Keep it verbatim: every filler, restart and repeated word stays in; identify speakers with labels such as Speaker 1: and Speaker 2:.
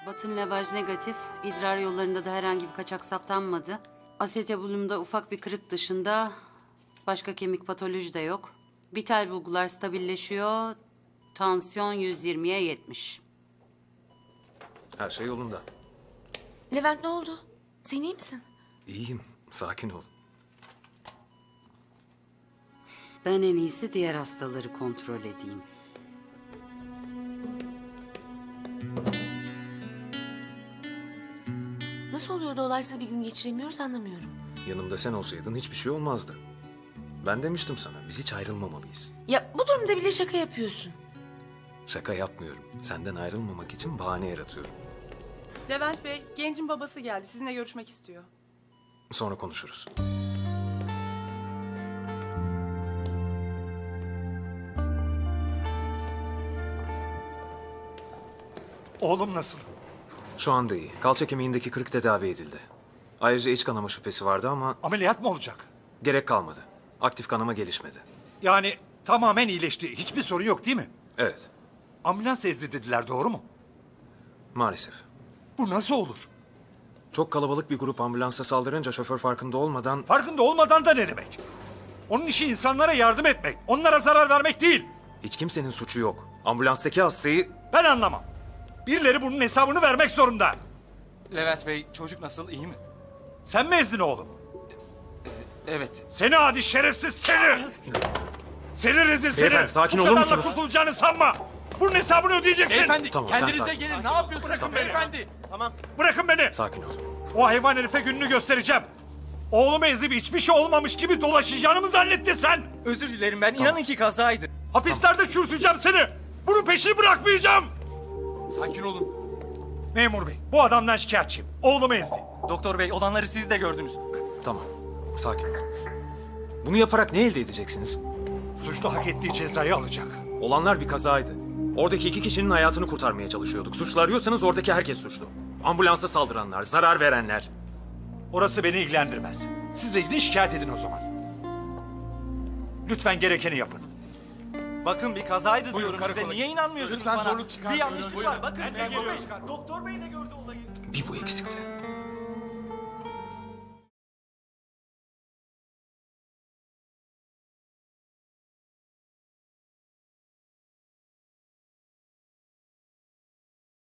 Speaker 1: Batın levaj negatif, idrar yollarında da herhangi bir kaçak saptanmadı. Asetabulumda ufak bir kırık dışında başka kemik patoloji de yok. Vital bulgular stabilleşiyor. Tansiyon yüz yirmiye yetmiş.
Speaker 2: Her şey yolunda.
Speaker 3: Levent ne oldu? Sen iyi misin?
Speaker 2: İyiyim. Sakin ol.
Speaker 1: Ben en iyisi diğer hastaları kontrol edeyim.
Speaker 3: Nasıl oluyor da olaysız bir gün geçiremiyoruz anlamıyorum.
Speaker 2: Yanımda sen olsaydın hiçbir şey olmazdı. Ben demiştim sana, biz hiç ayrılmamalıyız.
Speaker 3: Ya bu durumda bile şaka yapıyorsun.
Speaker 2: Şaka yapmıyorum. Senden ayrılmamak için bahane yaratıyorum.
Speaker 4: Levent Bey, gencin babası geldi. Sizinle görüşmek istiyor.
Speaker 2: Sonra konuşuruz.
Speaker 5: Oğlum nasıl?
Speaker 2: Şu anda iyi. Kalça kemiğindeki kırık tedavi edildi. Ayrıca iç kanama şüphesi vardı ama
Speaker 5: Ameliyat mı olacak?
Speaker 2: gerek kalmadı. Aktif kanama gelişmedi.
Speaker 5: Yani tamamen iyileşti. Hiçbir sorun yok değil mi?
Speaker 2: Evet,
Speaker 5: Ambulans ezdi dediler, doğru mu?
Speaker 2: maalesef.
Speaker 5: Bu nasıl olur?
Speaker 2: Çok kalabalık bir grup ambulansa saldırınca şoför farkında olmadan...
Speaker 5: Farkında olmadan da ne demek? Onun işi insanlara yardım etmek. Onlara zarar vermek değil.
Speaker 2: Hiç kimsenin suçu yok. Ambulanstaki hastayı...
Speaker 5: Ben anlamam. Birileri bunun hesabını vermek zorunda.
Speaker 6: Levent Bey, çocuk nasıl, iyi mi?
Speaker 5: Sen mi ezdin oğlum?
Speaker 6: Evet.
Speaker 5: Seni adi şerefsiz seni! Seni rezil seni!
Speaker 2: Beyefendi, sakin
Speaker 5: Bu
Speaker 2: olur
Speaker 5: kadarla
Speaker 2: musunuz?
Speaker 5: kurtulacağını sanma! Bunun hesabını ödeyeceksin!
Speaker 6: Beyefendi,
Speaker 2: Tamam, sen
Speaker 6: kendinize
Speaker 2: sakin.
Speaker 6: gelin. Ne yapıyorsunuz
Speaker 5: Bırakın beni.
Speaker 6: beyefendi? Tamam.
Speaker 5: Bırakın beni!
Speaker 2: Sakin ol.
Speaker 5: O hayvan herife gününü göstereceğim. Oğlumu ezip hiçbir şey olmamış gibi dolaşacağını mı zannettin sen?
Speaker 6: Özür dilerim ben. İnanın ki kazaydı.
Speaker 5: Hapislerde çürüteceğim seni! Bunun peşini bırakmayacağım!
Speaker 6: Sakin olun.
Speaker 5: Memur bey, bu adamdan şikayetçiyim. Oğlumu ezdi.
Speaker 6: Doktor bey, olanları siz de gördünüz.
Speaker 2: Tamam, sakin ol. Bunu yaparak ne elde edeceksiniz?
Speaker 5: Suçlu hak ettiği cezayı alacak.
Speaker 2: Olanlar bir kazaydı. Oradaki iki kişinin hayatını kurtarmaya çalışıyorduk. Suçlu arıyorsanız oradaki herkes suçlu. Ambulansa saldıranlar, zarar verenler.
Speaker 5: Orası beni ilgilendirmez. Siz de gidin şikayet edin o zaman. Lütfen gerekeni yapın.
Speaker 6: Bakın bir kazaydı
Speaker 5: Buyurun,
Speaker 6: diyorum size.
Speaker 5: karakola
Speaker 6: Niye inanmıyorsunuz
Speaker 5: Lütfen
Speaker 6: bana?
Speaker 5: zorluk
Speaker 6: Bir
Speaker 5: çıkarmayın.
Speaker 6: yanlışlık
Speaker 5: Buyurun.
Speaker 6: var. Bakın
Speaker 5: Ben de
Speaker 6: memur bey.
Speaker 5: geliyorum.
Speaker 6: Doktor bey de gördü olayı.
Speaker 2: Bir bu eksikti.